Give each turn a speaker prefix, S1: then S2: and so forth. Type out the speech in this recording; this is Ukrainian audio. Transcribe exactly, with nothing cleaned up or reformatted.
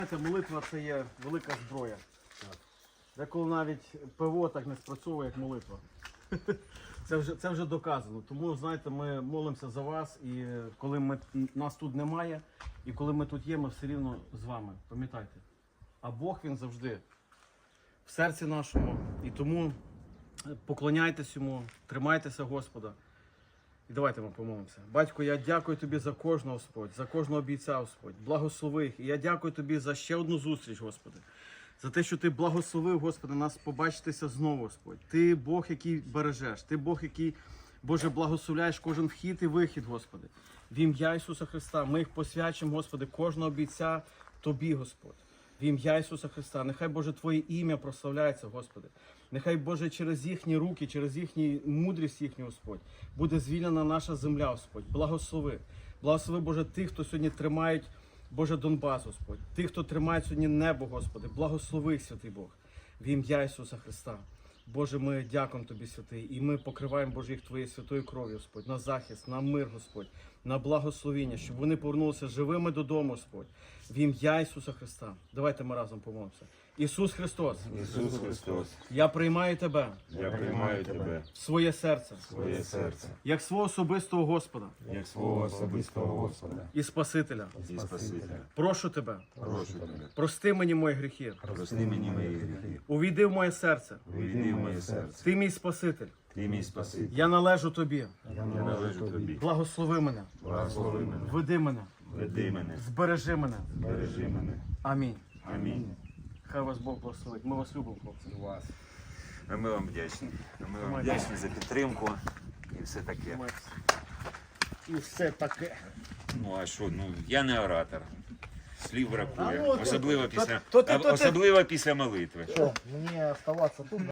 S1: Знаєте, молитва – це є велика зброя. Деколи навіть ПВО так не спрацьовує, як молитва. Це вже, це вже доказано. Тому, знаєте, ми молимося за вас, і коли ми, нас тут немає, і коли ми тут є, ми все рівно з вами. Пам'ятайте. А Бог, Він завжди в серці нашому. І тому поклоняйтесь Йому, тримайтеся Господа. І давайте ми помолимося. Батько, я дякую Тобі за кожного, Господь, за кожного бійця, Господь. Благослови їх. І я дякую Тобі за ще одну зустріч, Господи. За те, що Ти благословив, Господи, нас побачитися знову, Господь. Ти Бог, який бережеш. Ти Бог, який, Боже, благословляєш кожен вхід і вихід, Господи. В ім'я Ісуса Христа ми їх посвячимо, Господи, кожного бійця Тобі, Господь. В ім'я Ісуса Христа. Нехай, Боже, Твоє ім'я прославляється, Господи. Нехай, Боже, через їхні руки, через їхню мудрість їхню, Господь, буде звільнена наша земля, Господь. Благослови. Благослови, Боже, тих, хто сьогодні тримають, Боже, Донбас, Господь. Тих, хто тримає сьогодні небо, Господи. Благослови, святий Бог. В ім'я Ісуса Христа. Боже, ми дякуємо Тобі, святий, і ми покриваємо, Боже, їх Твоєю святою кров'ю, Господь, на захист, на мир, Господь, на благословіння, щоб вони повернулися живими додому, Господь. В ім'я Ісуса Христа. Давайте ми разом помолимося. Ісус Христос,
S2: Ісус Христос,
S1: я приймаю Тебе
S2: я приймаю Тебе
S1: в своє серце,
S2: в своє серце,
S1: як свого особистого Господа
S2: як свого особистого Господа
S1: і Спасителя.
S2: і Спасителя.
S1: Прошу Тебе,
S2: Прошу Тебе,
S1: прости мені мої гріхи,
S2: прости мені мої гріхи,
S1: увійди в моє серце.
S2: увійди в моє серце.
S1: Ти мій Спаситель,
S2: Ти мій Спаситель,
S1: я належу Тобі.
S2: я належу Тобі.
S1: Благослови мене,
S2: Благослови мене,
S1: веди мене,
S2: веди мене,
S1: збережи мене.
S2: бережи мене.
S1: Амінь.
S2: Амінь.
S1: Хай вас Бог благословить. Ми вас любимо, хлопці.
S2: Вас. А ми вам вдячні. А ми вам
S1: Тримайте.
S2: вдячні за підтримку і все таке.
S1: І все таке.
S2: Ну а що, ну я не оратор. Слів бракує.
S1: А ну,
S2: Особливо
S1: то-
S2: після,
S1: то ти- то ти-
S2: особливо після молитви.
S3: Что, мне оставаться тут?